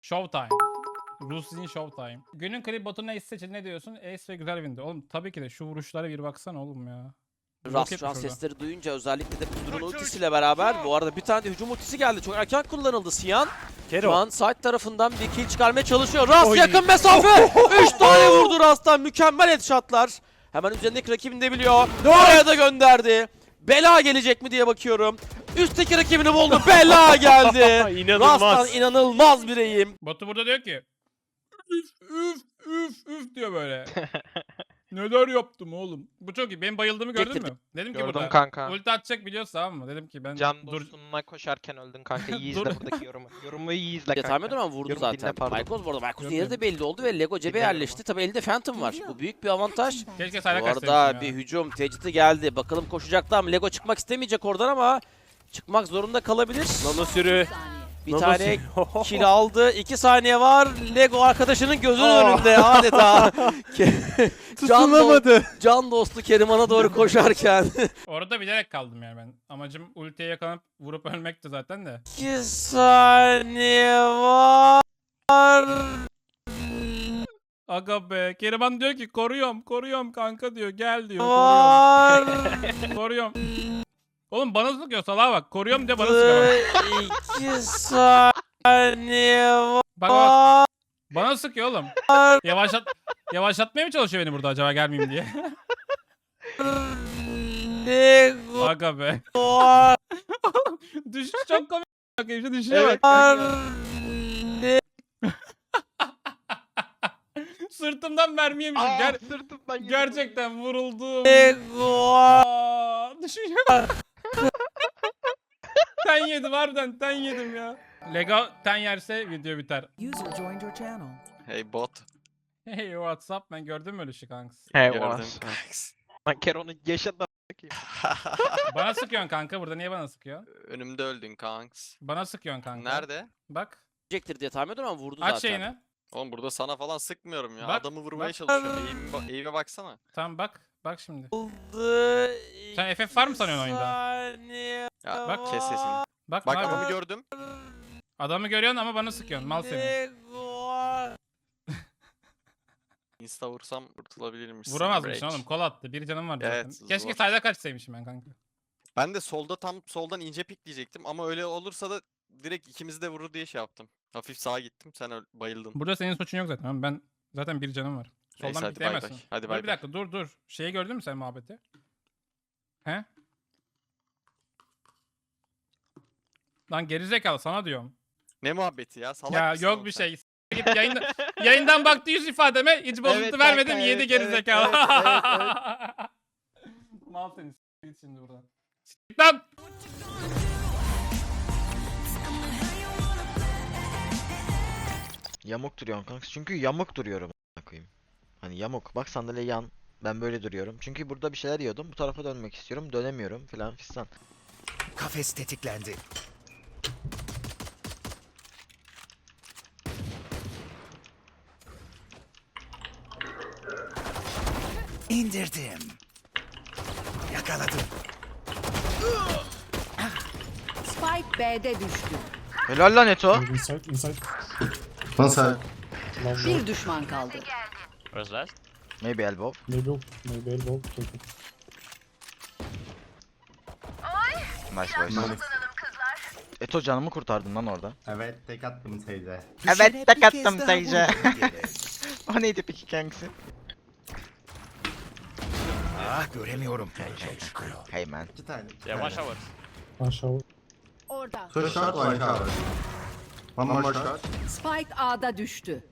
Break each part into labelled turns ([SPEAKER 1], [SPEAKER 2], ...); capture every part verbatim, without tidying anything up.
[SPEAKER 1] Showtime. Rus'in Showtime. Günün klip botunu Ace seçin, ne diyorsun? Ace ve güzel windi. Oğlum tabii ki de şu vuruşlara bir baksana oğlum ya.
[SPEAKER 2] Rast şu an sesleri duyunca özellikle de Kudur'un ultisiyle beraber bu arada bir tane de hücum ultisi geldi. Çok erken kullanıldı Siyan. Şu an side tarafından bir kill çıkarmaya çalışıyor. Rast
[SPEAKER 1] Oy.
[SPEAKER 2] yakın mesafe. üç tane vurdu Rast'tan. Mükemmel headshotlar. Hemen üzerindeki rakibini de biliyor. Oraya da gönderdi. Bela gelecek mi diye bakıyorum. Üstteki rakibini buldu. Bela geldi.
[SPEAKER 3] İnanılmaz.
[SPEAKER 2] Rast'tan inanılmaz bir eğim.
[SPEAKER 1] Batu burada diyor ki üf üf üf üf diyor böyle. Neler yaptım oğlum? Bu çok iyi. Benim bayıldığımı gördün
[SPEAKER 2] Çektirdim.
[SPEAKER 1] mü? Dedim ki
[SPEAKER 3] Gördüm
[SPEAKER 1] burada.
[SPEAKER 3] kanka.
[SPEAKER 1] Ulti atacak biliyorsun, tamam mı? Dedim ki ben
[SPEAKER 3] Can
[SPEAKER 1] dur.
[SPEAKER 3] dostunla koşarken öldün kanka. İyi
[SPEAKER 1] Dur.
[SPEAKER 3] izle buradaki yorumu. Yorumu iyi izle
[SPEAKER 2] Ya tahmin
[SPEAKER 3] kanka.
[SPEAKER 2] ediyorum ama vurdu
[SPEAKER 3] Yorum dinle,
[SPEAKER 2] zaten.
[SPEAKER 3] pardon.
[SPEAKER 2] Michael bu arada. Michael'ın
[SPEAKER 1] Yok,
[SPEAKER 2] yeri
[SPEAKER 1] yok.
[SPEAKER 2] de belli oldu ve Lego cebe
[SPEAKER 3] Dinliyorum
[SPEAKER 2] yerleşti. Tabi elde Phantom var. Bu büyük bir avantaj.
[SPEAKER 1] Keşke sayda
[SPEAKER 2] Bu
[SPEAKER 1] kaçsaymışım
[SPEAKER 2] arada
[SPEAKER 1] ya.
[SPEAKER 2] bir hücum tecidi geldi. Bakalım koşacaklar ama Lego çıkmak istemeyecek oradan ama çıkmak zorunda kalabilir. Nano sürü bir tane kill aldı. iki saniye var. Lego arkadaşının gözünün önünde adeta. Ke- can, do can dostu Keriman'a doğru koşarken.
[SPEAKER 1] Orada bilerek kaldım yani ben. Amacım ultiye yakalanıp vurup ölmekti zaten de.
[SPEAKER 2] iki saniye var.
[SPEAKER 1] Aga be. Keriman diyor ki koruyorum koruyorum kanka diyor. Gel diyor.
[SPEAKER 2] Var.
[SPEAKER 1] Koruyorum. Koruyorum. Oğlum bana sıkıyor salağa bak. Koruyorum diye bana sıkıyor.
[SPEAKER 2] iki saniye var.
[SPEAKER 1] Bak bak. Bana sıkıyor oğlum. Yavaşlat yavaşlatmaya mı çalışıyor beni burada acaba gelmeyeyim diye.
[SPEAKER 2] Lego
[SPEAKER 1] Aga be.
[SPEAKER 2] var.
[SPEAKER 1] Düşüş çok komik. Bak işte düşüyor
[SPEAKER 3] Evet.
[SPEAKER 1] bak. Sırtımdan mermi yemişim.
[SPEAKER 3] Aa,
[SPEAKER 1] Ger
[SPEAKER 3] sırtımdan yedim.
[SPEAKER 1] gerçekten vuruldum.
[SPEAKER 2] Lego var.
[SPEAKER 1] Aa, düşünüyorum. Ten yedim harbiden ten yedim ya. Lego ten yerse video biter.
[SPEAKER 4] User joined your channel.
[SPEAKER 5] Hey bot.
[SPEAKER 1] Hey WhatsApp, ben gördüm öyle şey kanks.
[SPEAKER 3] He
[SPEAKER 5] Gördüm.
[SPEAKER 3] var. Lan Keron'u yaşadı.
[SPEAKER 1] Bana sıkıyorsun kanka, burada niye bana sıkıyor?
[SPEAKER 5] Önümde öldün kanks.
[SPEAKER 1] Bana sıkıyorsun kanka.
[SPEAKER 5] Nerede?
[SPEAKER 1] Bak.
[SPEAKER 2] Diyecektir diye tahmin ediyorum ama vurdu
[SPEAKER 1] Aç
[SPEAKER 2] zaten.
[SPEAKER 1] şeyini.
[SPEAKER 5] Oğlum burada sana falan sıkmıyorum ya.
[SPEAKER 1] Bak,
[SPEAKER 5] Adamı vurmaya
[SPEAKER 1] bak.
[SPEAKER 5] çalışıyorum. Eğime, ba- eğime baksana.
[SPEAKER 1] Tamam bak. Bak şimdi.
[SPEAKER 2] Buldu.
[SPEAKER 1] Sen F F var mı sanıyorsun oyunda?
[SPEAKER 2] Saniye
[SPEAKER 5] Ya
[SPEAKER 1] Bak,
[SPEAKER 5] kes sesini.
[SPEAKER 1] Bak,
[SPEAKER 5] Bak
[SPEAKER 1] abi.
[SPEAKER 5] adamı gördüm.
[SPEAKER 1] Adamı görüyorsun ama bana sıkıyorsun. Mal seni.
[SPEAKER 2] Lego var.
[SPEAKER 5] Insta vursam kurtulabilirmişsin.
[SPEAKER 1] Vuramazmışsın
[SPEAKER 5] Break.
[SPEAKER 1] oğlum. Kol attı. Bir canım vardı
[SPEAKER 5] Evet,
[SPEAKER 1] zaten. Keşke
[SPEAKER 5] zor.
[SPEAKER 1] sayda kaçsaymışım ben kanka.
[SPEAKER 5] Ben de solda tam soldan ince pik diyecektim ama öyle olursa da direkt ikimizi de vurur diye şey yaptım. Hafif sağa gittim sen öl- bayıldın.
[SPEAKER 1] Burada senin suçun yok zaten. ama Ben zaten bir canım var.
[SPEAKER 5] Neyse,
[SPEAKER 1] Soldan
[SPEAKER 5] hadi bay bay.
[SPEAKER 1] pikleyemezsin.
[SPEAKER 5] Hadi
[SPEAKER 1] Dur
[SPEAKER 5] bay
[SPEAKER 1] bir
[SPEAKER 5] bay.
[SPEAKER 1] dakika dur dur. Şeyi gördün mü sen muhabbeti? He? Lan gerizekalı sana diyorum.
[SPEAKER 5] Ne muhabbeti ya? Salak
[SPEAKER 1] Ya
[SPEAKER 5] mısın
[SPEAKER 1] yok
[SPEAKER 5] oğlum
[SPEAKER 1] bir
[SPEAKER 5] sen?
[SPEAKER 1] şey. Git yayında, yayından baktı yüz ifademe hiç bozuntu
[SPEAKER 5] Evet
[SPEAKER 1] vermedim
[SPEAKER 5] kanka,
[SPEAKER 1] yedi
[SPEAKER 5] evet,
[SPEAKER 1] gerizekalı.
[SPEAKER 5] evet, evet,
[SPEAKER 1] Mal seni s- git şimdi buradan. Git lan!
[SPEAKER 6] Yamuk duruyorsun kanka. Çünkü yamuk duruyorum a**ına koyayım. Hani yamuk. Bak sandalye yan. Ben böyle duruyorum. Çünkü burada bir şeyler yiyordum. Bu tarafa dönmek istiyorum. Dönemiyorum filan fistan.
[SPEAKER 7] Kafes tetiklendi. İndirdim. Yakaladım.
[SPEAKER 4] Spike B'de düştü.
[SPEAKER 6] Helal lan Eto.
[SPEAKER 8] Inside, inside.
[SPEAKER 9] One side.
[SPEAKER 8] Long
[SPEAKER 4] Bir düşman kaldı.
[SPEAKER 6] Maybe elbow.
[SPEAKER 8] Maybe, maybe elbow. Take it.
[SPEAKER 6] Nice boys. Eto canımı kurtardın lan orada.
[SPEAKER 9] Evet, tek attım teyze.
[SPEAKER 6] Evet,
[SPEAKER 7] Düşene
[SPEAKER 6] tek
[SPEAKER 7] bir kez
[SPEAKER 6] attım
[SPEAKER 7] daha
[SPEAKER 6] teyze.
[SPEAKER 7] vurmam gerek.
[SPEAKER 6] O neydi peki kankası?
[SPEAKER 7] Ah göremiyorum.
[SPEAKER 6] Hey man.
[SPEAKER 9] İki tane. iki
[SPEAKER 5] Yavaş
[SPEAKER 9] tane.
[SPEAKER 5] hava.
[SPEAKER 8] One shower.
[SPEAKER 4] Orada.
[SPEAKER 9] Two shot, one shower. One more shot.
[SPEAKER 4] Spike A'da düştü.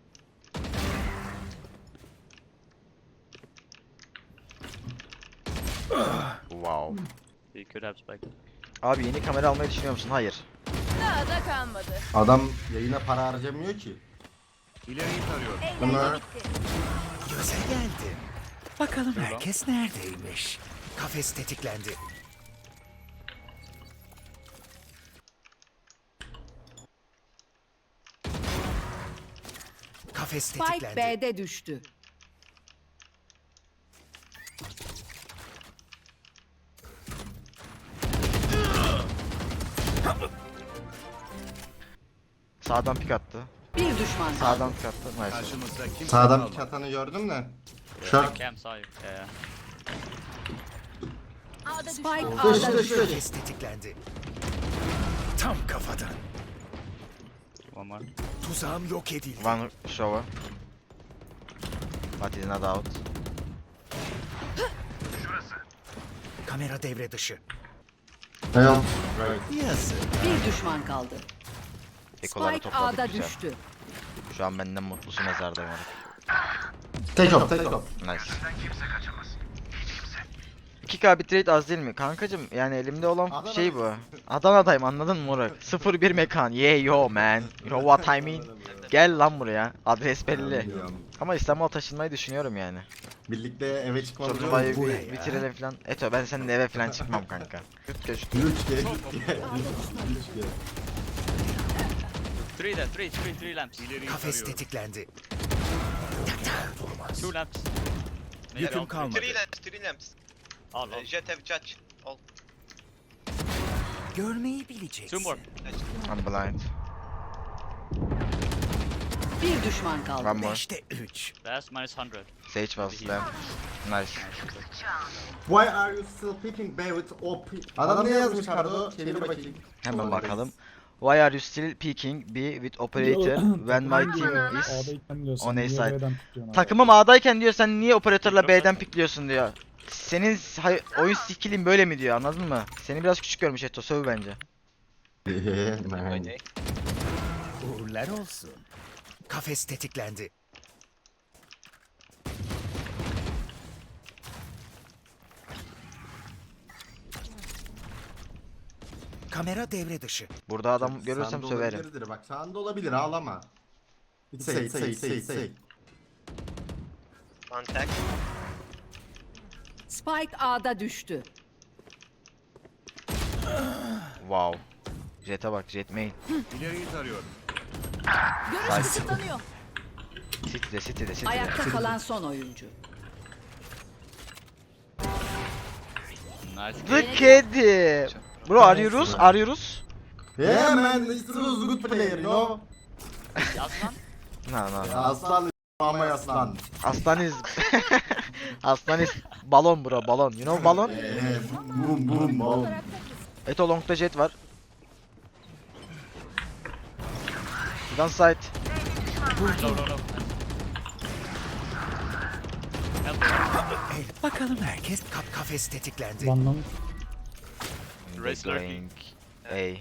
[SPEAKER 6] Wow. Abi yeni kamera almayı düşünüyor musun? Hayır.
[SPEAKER 4] Daha da kalmadı.
[SPEAKER 9] Adam yayına para harcamıyor ki.
[SPEAKER 7] İleriyi tarıyorum.
[SPEAKER 9] Bunlar
[SPEAKER 7] Göze geldim. Bakalım herkes neredeymiş. Kafes tetiklendi. Kafes
[SPEAKER 4] Spike
[SPEAKER 7] tetiklendi.
[SPEAKER 4] B'de düştü.
[SPEAKER 6] Sağdan pik attı.
[SPEAKER 4] Bir düşman kaldı.
[SPEAKER 6] Sağdan çıkarttı. Nice.
[SPEAKER 7] Karşımızda kimse
[SPEAKER 9] Sağdan
[SPEAKER 7] kalmadı.
[SPEAKER 9] çatanı gördüm de. Short.
[SPEAKER 3] Cam sağ. Yeah.
[SPEAKER 4] Spike
[SPEAKER 9] Dış
[SPEAKER 4] A'da
[SPEAKER 9] dış
[SPEAKER 4] düştü.
[SPEAKER 9] dış.
[SPEAKER 7] Kafes tetiklendi. Tam kafadan.
[SPEAKER 3] One more.
[SPEAKER 7] Tuzağım yok edildi.
[SPEAKER 6] One shower. But he's not out.
[SPEAKER 7] Kamera devre dışı.
[SPEAKER 9] Help. Right.
[SPEAKER 7] Yazık.
[SPEAKER 4] Bir düşman kaldı.
[SPEAKER 6] Ekoları
[SPEAKER 4] Spike
[SPEAKER 6] topladık
[SPEAKER 4] A'da
[SPEAKER 6] güzel.
[SPEAKER 4] düştü.
[SPEAKER 6] Şu an benden mutlusu mezardayım artık.
[SPEAKER 9] Take off, take off.
[SPEAKER 6] Nice. iki K bitrate az değil mi? Kankacım yani elimde olan
[SPEAKER 9] Adana
[SPEAKER 6] şey bu. Adana'dayım anladın mı Murat? sıfır bir mekan. Yeah yo man. You know what I mean? Gel lan buraya. Adres belli.
[SPEAKER 9] Biliyorum.
[SPEAKER 6] Ama İstanbul'a taşınmayı düşünüyorum yani.
[SPEAKER 9] Birlikte eve çıkmamız
[SPEAKER 6] Turnuvayı
[SPEAKER 9] yok.
[SPEAKER 6] bir
[SPEAKER 7] buraya.
[SPEAKER 6] bitirelim falan. Eto ben seninle eve falan çıkmam kanka. Yurt geç.
[SPEAKER 9] Üç ge, üç ge. Üç ge.
[SPEAKER 3] Three there. Three. Three. Three lamps.
[SPEAKER 7] Kafes tetiklendi.
[SPEAKER 3] Two lamps.
[SPEAKER 7] Yüküm kalmadı.
[SPEAKER 10] Three lamps, three lamps.
[SPEAKER 3] All.
[SPEAKER 10] Uh, Jet have judge. All.
[SPEAKER 7] Görmeyi bileceksin.
[SPEAKER 3] Two more.
[SPEAKER 6] I'm blind.
[SPEAKER 4] Bir düşman kaldı.
[SPEAKER 6] One more.
[SPEAKER 7] Beşte üç.
[SPEAKER 3] That's minus one hundred.
[SPEAKER 6] Sage was lamp. Nice.
[SPEAKER 9] Why are you still picking B with O P? Adam ne yazmış Kardo? Çevir bakayım.
[SPEAKER 6] Hemen bakalım. Why are you still peeking B with operator when my team is
[SPEAKER 8] A'dayken diyorsun.
[SPEAKER 6] on A
[SPEAKER 8] niye
[SPEAKER 6] side?
[SPEAKER 8] B'den tutuyorsun abi?
[SPEAKER 6] Takımım A'dayken diyor sen niye operatörle B'den pikliyorsun diyor. Senin hay- oyun skill'in böyle mi diyor anladın mı? Seni biraz küçük görmüş Eto söv bence.
[SPEAKER 9] Yeah, man.
[SPEAKER 10] Okay.
[SPEAKER 7] Uğurlar olsun. Kafes tetiklendi. Kamera devre dışı.
[SPEAKER 6] Burada adam görürsem
[SPEAKER 9] Sağında
[SPEAKER 6] söverim.
[SPEAKER 9] olabilirdir, bak sağında olabilir ağlama. Say say say say.
[SPEAKER 10] One tag.
[SPEAKER 4] Spike A'da düştü.
[SPEAKER 6] Wow. Jet'e bak Jet main.
[SPEAKER 7] İleriyi tarıyorum.
[SPEAKER 4] Görüş kısıtlanıyor.
[SPEAKER 6] City'de City'de City'de.
[SPEAKER 4] Ayakta kalan son oyuncu.
[SPEAKER 3] Nice.
[SPEAKER 6] The kedi. Bro arıyoruz arıyoruz.
[SPEAKER 9] Yeah man, this was a good player, you know.
[SPEAKER 3] Aslan.
[SPEAKER 6] No no no.
[SPEAKER 9] Aslan ama aslan.
[SPEAKER 6] Aslaniz. Aslaniz balon bro balon. You know balon?
[SPEAKER 9] Eee, burum burum burum.
[SPEAKER 6] Eto long'da Jet var. One side.
[SPEAKER 3] No, no, no. Help.
[SPEAKER 7] El, bakalım herkes kap kafes tetiklendi.
[SPEAKER 8] One long.
[SPEAKER 3] Raise
[SPEAKER 6] Going A.
[SPEAKER 10] I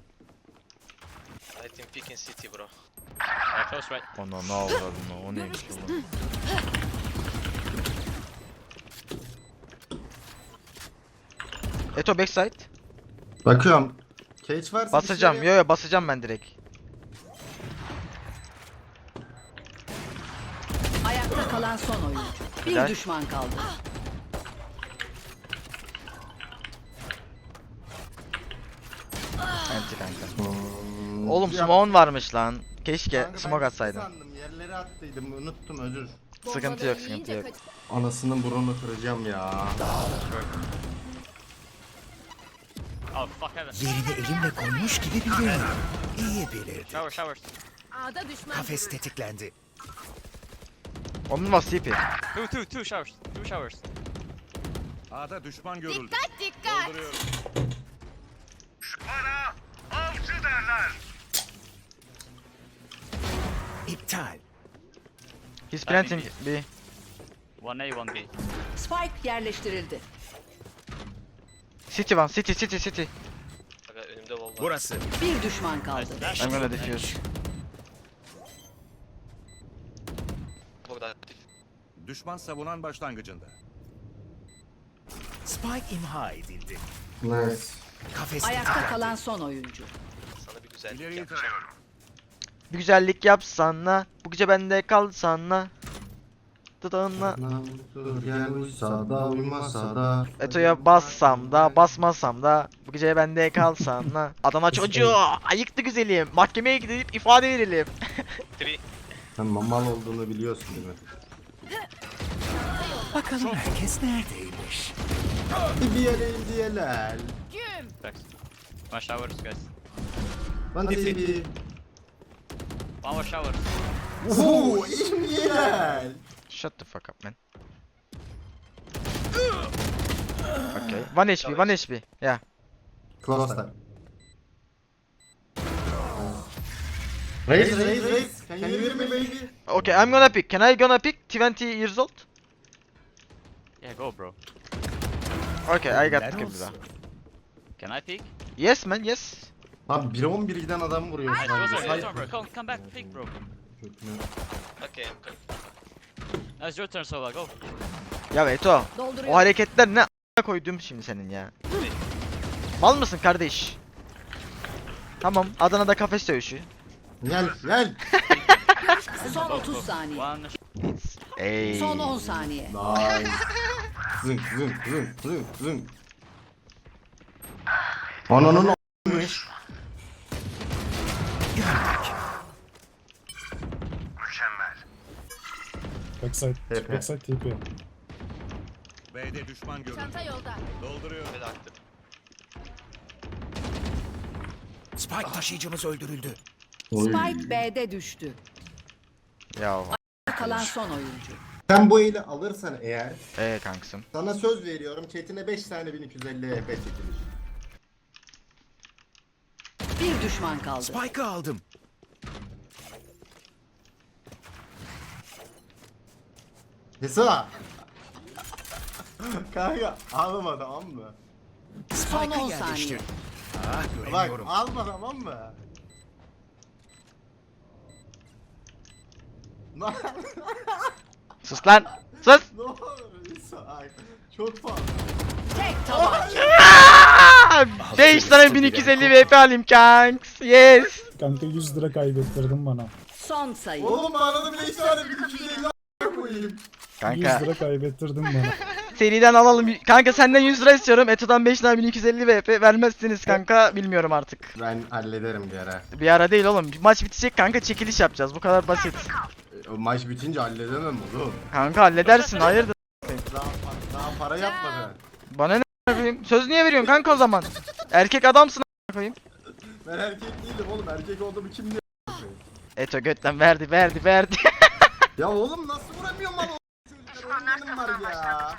[SPEAKER 10] think picking city, bro.
[SPEAKER 3] Uh, close right.
[SPEAKER 6] Oh no no bro no. O neymiş bu? Eto backside.
[SPEAKER 9] Bakıyorum. Cage varsa
[SPEAKER 6] Basacağım.
[SPEAKER 9] bir şey
[SPEAKER 6] Yo yo basacağım ben direkt.
[SPEAKER 4] Ayakta kalan son oyuncu. Bir
[SPEAKER 6] Güzel.
[SPEAKER 4] düşman kaldı.
[SPEAKER 6] Enti kanka.
[SPEAKER 9] Hmm,
[SPEAKER 6] Oğlum
[SPEAKER 9] ya-
[SPEAKER 6] smoke'un varmış lan. Keşke
[SPEAKER 9] Kanka ben
[SPEAKER 6] smoke atsaydın.
[SPEAKER 9] sandım, yerlere attıydım, unuttum, özür.
[SPEAKER 6] Sıkıntı yok sıkıntı yok.
[SPEAKER 9] Anasının burnunu kıracağım ya.
[SPEAKER 3] Oh, fuck heaven.
[SPEAKER 7] Yerini elimle koymuş gibi biliyorum. İyi bilirdi.
[SPEAKER 3] Shower, showers.
[SPEAKER 4] A'da düşman
[SPEAKER 7] Kafes tetiklendi.
[SPEAKER 6] Onun var C P.
[SPEAKER 3] Two, two, two showers. Two showers.
[SPEAKER 7] A'da düşman görüldü.
[SPEAKER 4] Dikkat!
[SPEAKER 7] İptal.
[SPEAKER 6] He's planting B.
[SPEAKER 3] One A, one B.
[SPEAKER 4] Spike yerleştirildi.
[SPEAKER 6] City one city city city.
[SPEAKER 10] Aga önümde wall var.
[SPEAKER 7] Burası.
[SPEAKER 4] Bir düşman kaldı.
[SPEAKER 6] I'm gonna defuse.
[SPEAKER 10] Burada aktif.
[SPEAKER 7] Düşman savunan başlangıcında. Spike imha edildi.
[SPEAKER 9] Nice.
[SPEAKER 7] Kafes
[SPEAKER 4] Ayakta
[SPEAKER 7] tetiklendi.
[SPEAKER 4] kalan son oyuncu.
[SPEAKER 10] Sana bir güzellik
[SPEAKER 7] İleriyi
[SPEAKER 10] yapacağım.
[SPEAKER 6] Bir güzellik yapsana. Bu gece bende kalsana. Dudağına.
[SPEAKER 9] Dur gel uysa da uymasa da.
[SPEAKER 6] Eto'ya bassam da basmasam da bu gece bende kalsana. Adana çocuğu ayıktı güzelim. Mahkemeye gidip ifade verelim.
[SPEAKER 10] Three.
[SPEAKER 9] Sen mal olduğunu biliyorsun değil mi?
[SPEAKER 7] Bakalım herkes neredeymiş.
[SPEAKER 9] Bir yere indiyeler.
[SPEAKER 3] Thanks. One showers, guys.
[SPEAKER 9] Ben T V.
[SPEAKER 3] One more shower.
[SPEAKER 9] Ooo İmgel.
[SPEAKER 6] Shut the fuck up man. Okay. One H P, one H P. Yeah.
[SPEAKER 9] Close time. Raise, raise, raise. Can you hear me baby?
[SPEAKER 6] Okay, I'm gonna pick. Can I gonna pick? twenty years old?
[SPEAKER 3] Yeah, go, bro.
[SPEAKER 6] Okay, I got
[SPEAKER 7] Helal
[SPEAKER 6] the
[SPEAKER 7] olsun.
[SPEAKER 6] bro.
[SPEAKER 3] Can I peek?
[SPEAKER 6] Yes man, yes.
[SPEAKER 9] Abi bire on bir giden adam vuruyor.
[SPEAKER 3] Nice,
[SPEAKER 9] şu an.
[SPEAKER 3] go, sorry,
[SPEAKER 9] Say-
[SPEAKER 3] go, bro. Come, come back, peek, bro.
[SPEAKER 9] Kötü.
[SPEAKER 10] Okay, I'm coming.
[SPEAKER 3] Now it's your turn, Sova. Go.
[SPEAKER 6] Ya Eto, o
[SPEAKER 4] Dolduruyor.
[SPEAKER 6] hareketler ne a**a koydum şimdi senin ya. Mal mısın kardeş? Tamam, Adana'da kafes dövüşü.
[SPEAKER 9] Gel gel.
[SPEAKER 4] Son otuz saniye.
[SPEAKER 3] One.
[SPEAKER 6] Ey.
[SPEAKER 4] Son on saniye.
[SPEAKER 9] Nice. Zınk zınk zınk zınk zınk. Ananın a**mış.
[SPEAKER 8] Backside.
[SPEAKER 9] T P.
[SPEAKER 8] Backside T P.
[SPEAKER 7] B'de düşman görüldü.
[SPEAKER 4] Çanta yolda.
[SPEAKER 7] Dolduruyor.
[SPEAKER 10] Ve de aktif.
[SPEAKER 7] Spike taşıyıcımız öldürüldü.
[SPEAKER 4] Spike B'de düştü.
[SPEAKER 6] Ya.
[SPEAKER 4] Kalan son oyuncu.
[SPEAKER 9] Sen bu eli alırsan eğer
[SPEAKER 6] Eee kanksım.
[SPEAKER 9] sana söz veriyorum chatine beş tane bin iki yüz elli E P çekilir.
[SPEAKER 4] Bir düşman kaldı.
[SPEAKER 7] Spike'ı aldım.
[SPEAKER 9] Hesa. Kanka ağlama tamam mı?
[SPEAKER 4] Son on
[SPEAKER 7] Spike'ı
[SPEAKER 4] saniye.
[SPEAKER 7] yerleştir. Ah
[SPEAKER 9] Bak
[SPEAKER 7] göremiyorum.
[SPEAKER 9] alma tamam mı? Ne
[SPEAKER 6] Sus lan. Sus.
[SPEAKER 9] ne olur Hesa. Ay, çok fazla.
[SPEAKER 4] Tek tabanca.
[SPEAKER 6] beş tane bin iki yüz elli V P alayım kanks. Yes.
[SPEAKER 8] Kanka yüz lira kaybettirdin bana.
[SPEAKER 4] Son sayı.
[SPEAKER 9] Oğlum bana da beş tane bin iki yüz elli a**a koyayım.
[SPEAKER 6] Kanka
[SPEAKER 8] yüz lira kaybettirdin bana.
[SPEAKER 6] seriden alalım. Kanka senden yüz lira istiyorum. Eto'dan beş tane bin iki yüz elli V P vermezsiniz kanka. Bilmiyorum artık.
[SPEAKER 9] Ben hallederim bir ara.
[SPEAKER 6] Bir ara değil oğlum. Maç bitecek kanka, çekiliş yapacağız. Bu kadar basit.
[SPEAKER 9] E, O maç bitince halledemem oğlum.
[SPEAKER 6] Kanka halledersin. Hayırdır?
[SPEAKER 9] Daha, daha para yapmadı.
[SPEAKER 6] Bana ne a**ayım? Söz niye veriyorsun kanka o zaman? Erkek adamsın a**ayım.
[SPEAKER 9] Ben erkek değilim oğlum. Erkek olduğumu kim diyor?
[SPEAKER 6] Eto götten verdi verdi verdi.
[SPEAKER 9] Ya oğlum nasıl vuramıyorum lan o çocuklar? Oyunlarım var ya.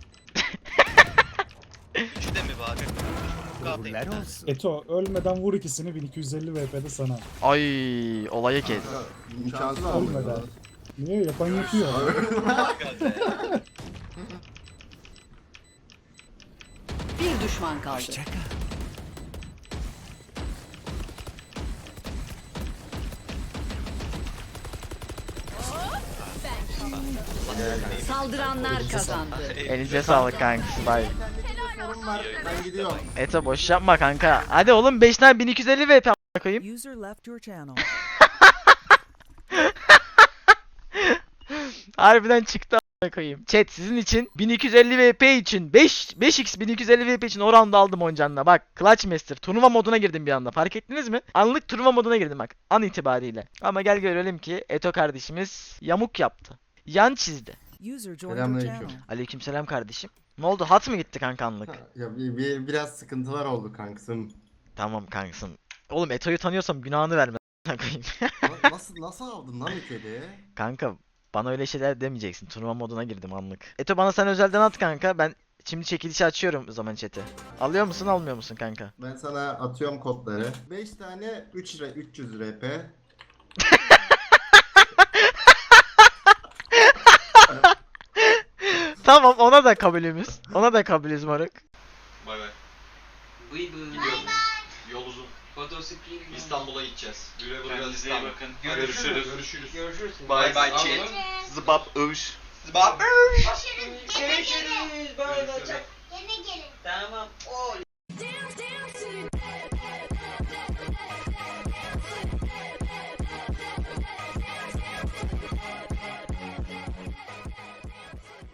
[SPEAKER 10] Üçü de mi bari?
[SPEAKER 7] Uğurlar olsun.
[SPEAKER 8] Eto ölmeden vur ikisini bin iki yüz elli V P'de sana.
[SPEAKER 6] Ay olayı kes.
[SPEAKER 9] İmkansız
[SPEAKER 8] Ölmeden.
[SPEAKER 9] abi.
[SPEAKER 8] Niye yapan yapıyor?
[SPEAKER 4] Bir düşman kaldı.
[SPEAKER 7] Hoşça kal.
[SPEAKER 4] Saldıranlar kazandı.
[SPEAKER 6] Elinize sağlık kankası. Bye.
[SPEAKER 9] Sorun var. Ben gidiyorum.
[SPEAKER 6] Eto boş yapma kanka. Hadi oğlum beş tane bin iki yüz elli V P a**a koyayım.
[SPEAKER 11] User left your channel.
[SPEAKER 6] Harbiden çıktı a**a koyayım. Chat sizin için bin iki yüz elli V P için beş beş x bin iki yüz elli V P için o round'u aldım Oncan'la. Bak Clutch Master turnuva moduna girdim bir anda. Fark ettiniz mi? Anlık turnuva moduna girdim bak. An itibariyle. Ama gel görelim ki Eto kardeşimiz yamuk yaptı. Yan çizdi.
[SPEAKER 11] User joined your
[SPEAKER 9] Selamünaleyküm.
[SPEAKER 11] channel.
[SPEAKER 6] Aleykümselam kardeşim. Ne oldu? Hat mı gitti kanka anlık?
[SPEAKER 9] Ya bir, bir, biraz sıkıntılar oldu kankasım.
[SPEAKER 6] Tamam kankasım. Oğlum Eto'yu tanıyorsam günahını verme a**a koyayım.
[SPEAKER 9] Na- nasıl nasıl aldın lan ülkede?
[SPEAKER 6] Kanka bana öyle şeyler demeyeceksin. Turnuva moduna girdim anlık. Eto bana sen özelden at kanka. Ben şimdi çekilişi açıyorum o zaman chat'i. Alıyor musun almıyor musun kanka?
[SPEAKER 9] Ben sana atıyorum kodları. beş tane üç lira üç yüz R P.
[SPEAKER 6] Tamam ona da kabulümüz. Ona da kabulüz moruk.
[SPEAKER 10] Bay bay. Gidiyorum. Yol uzun. İstanbul'a gideceğiz. Güle güle İstanbul. Görüşürüz. Görüşürüz. Görüşürüz. Bye bye chat. Zıbap övüş. Zıbap övüş.
[SPEAKER 12] Görüşürüz. Görüşürüz. Böyle olacak. Yine gelin. Tamam. Oy.